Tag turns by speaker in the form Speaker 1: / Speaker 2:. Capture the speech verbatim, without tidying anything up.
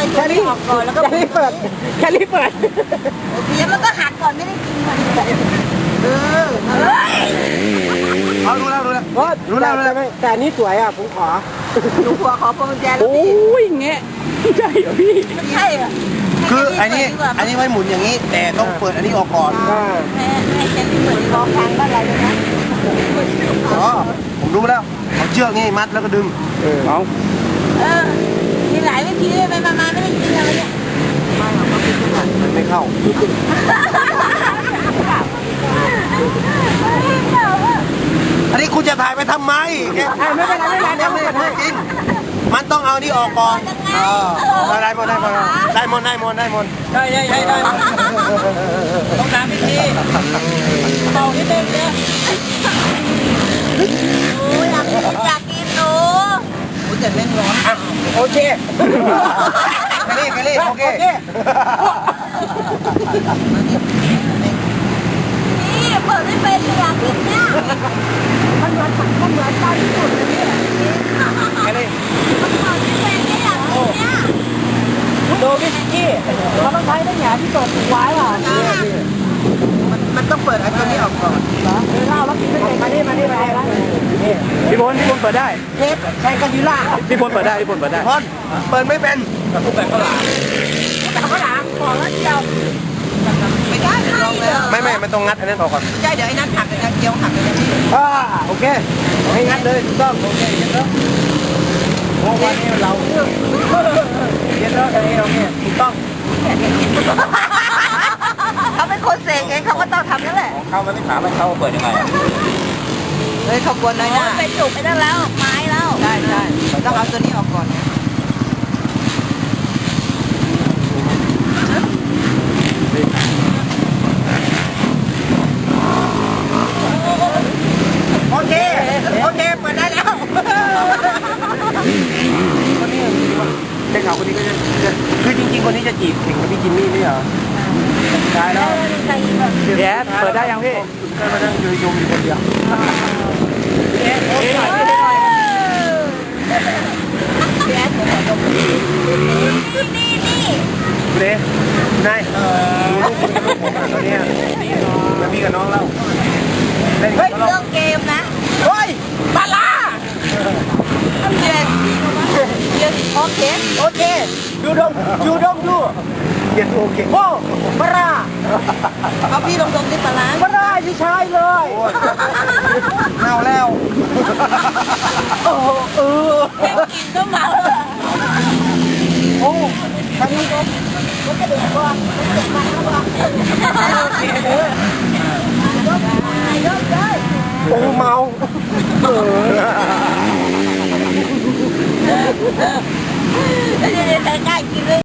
Speaker 1: ตัวนี้ออกก่อนแล้วก็แค่นี้เปิดแค่นี้เปิดเดี๋ยวมันก็หักก่อนไม่ได้กินมันเออ
Speaker 2: เอารู้แล้วรู้แล้ว
Speaker 1: รู้แล้วรู้แล้วแต่นี่สวยอ่ะผมขอหนูขอขอพวงกุญแจแล้วพี่
Speaker 3: โอ้ยเงี้ยใช่เหรอพี่
Speaker 1: ใช่เหรอ
Speaker 2: คืออันนี้อันนี้ไว้หมุนอย่างนี้แต่ต้องเปิดอันนี้ออกก่อน
Speaker 1: แม่แม่แค่นี้เปิดกองทางอะไรเลยนะ
Speaker 2: อ๋อผมรู้แล้วเอาเชือกนี่มัดแล้วก็ดึง
Speaker 3: เออเอา
Speaker 1: เออมีหลายวิธีไปมาไม่ได้กินอะไรเนี่ย
Speaker 2: ไม่หรอกมันไม่เข้าอันนี้คุณจะถ่ายไปทำไม
Speaker 1: ไม่เป็นไรไม่เป็นไร
Speaker 2: ยังไม่ได้จริงมันต้องเอานี่ออกก่อนได้หมดได้หมดได้หมดได้หมดได้หมด
Speaker 3: ได้ได้ได้ได้ต้องตามวิธีเบานิดนึงเนี่ย
Speaker 1: โอ้อยากกินอยากกินหนู
Speaker 2: โอ้ยแต่เล่นร้อน
Speaker 1: โอเค
Speaker 2: กะลี่กะลี่โอเค
Speaker 1: นี่เปิดไม่เป็นอยากกินเนี่ยมันเหมือนมันเหมือนตอนที่สุดเลยเนี่ย
Speaker 2: กะลี่
Speaker 1: มันเปิดไม่เป็นไม่อยากกินเนี่ย
Speaker 3: ดูพี่กี้
Speaker 1: เราต้องใช้ได้หยาที่เปิดไว้อ่ะมันมันต้องเปิดไอ้ตัวนี้ออกก่อนเหรอเออเล่าแล้วกินไม่เป็นมานี่มานี่มานี่
Speaker 3: พี่พลพี่พลเปิดได้
Speaker 1: เทปใช้กันยูล่า
Speaker 3: พี่พลเปิดได้พี่พลเปิดได้
Speaker 2: พลเปิดไม่เป็น
Speaker 3: กับทุกแบบข้าวหลาม
Speaker 1: แต่ข้าวหลามขอแล้วเดียวไม่ได้ลองแล้ว
Speaker 2: ไม่ไม่มันต้องงัดอันนั้นออกก่อน
Speaker 1: ใช่เดี๋ยวไอ้นัทหักไอ้นัทเกี๊ยวหักเลย
Speaker 2: อ่าโอเคให้งัดเลยถูกต้องโอเคเย็นแล้วโอ้วันนี้เราเย็นแล้วอันนี้เราเนี่ยถูกต้อง
Speaker 1: เขาเป็นคนเสกเองเขาก็ต้องทำนั่นแหละ
Speaker 3: ของเขามันไม่ถามว่าเขาเปิดยังไง
Speaker 1: เฮ้ยขบวนน้อยหน้าเป็นจุกไปนั่นแล้วไม้แล้วใช่ใช่ต้องเอาตัวนี้ออกก่อนโอเคโอเคเปิดได้แล้ว
Speaker 2: คนนี้ได้ข่าวคนนี้ก็จะคือจริงๆคนนี้จะจีบเก่งกับพี่จิมมี่ไม่เหรอใช่แล้ว
Speaker 3: แย่เปิดได้ยังพี่
Speaker 2: ก็มานั่งยืนยงอยู่คนเดียว
Speaker 3: เอ๊ะเอ๊ะหน่อยพี่หน่อย
Speaker 1: นี่นี่
Speaker 2: เด้นายดูลูกคุณกับลูกผมอ่ะตอนนี้มาพี่กับน้องเล่า
Speaker 1: เฮ้ยเรื่องเกมนะ
Speaker 2: เฮ้ย
Speaker 1: ปลาล่าเย็นเย็นโอเคโอเค
Speaker 2: ยูดมยูดมยูเย็นโอเค
Speaker 1: โอ้ปลาเอาพี่ลงตรงที่ปลาปลาพี่ชายเลย
Speaker 2: เมาแล้ว
Speaker 1: โอ้เออกินก็เมาโอ้ทางนี้ก็มันจะเดือดร้อนมันเดือดร้อนแล้วก็
Speaker 2: โอ้เมาเออ
Speaker 1: เดี๋ยวใกล้ๆกินเลย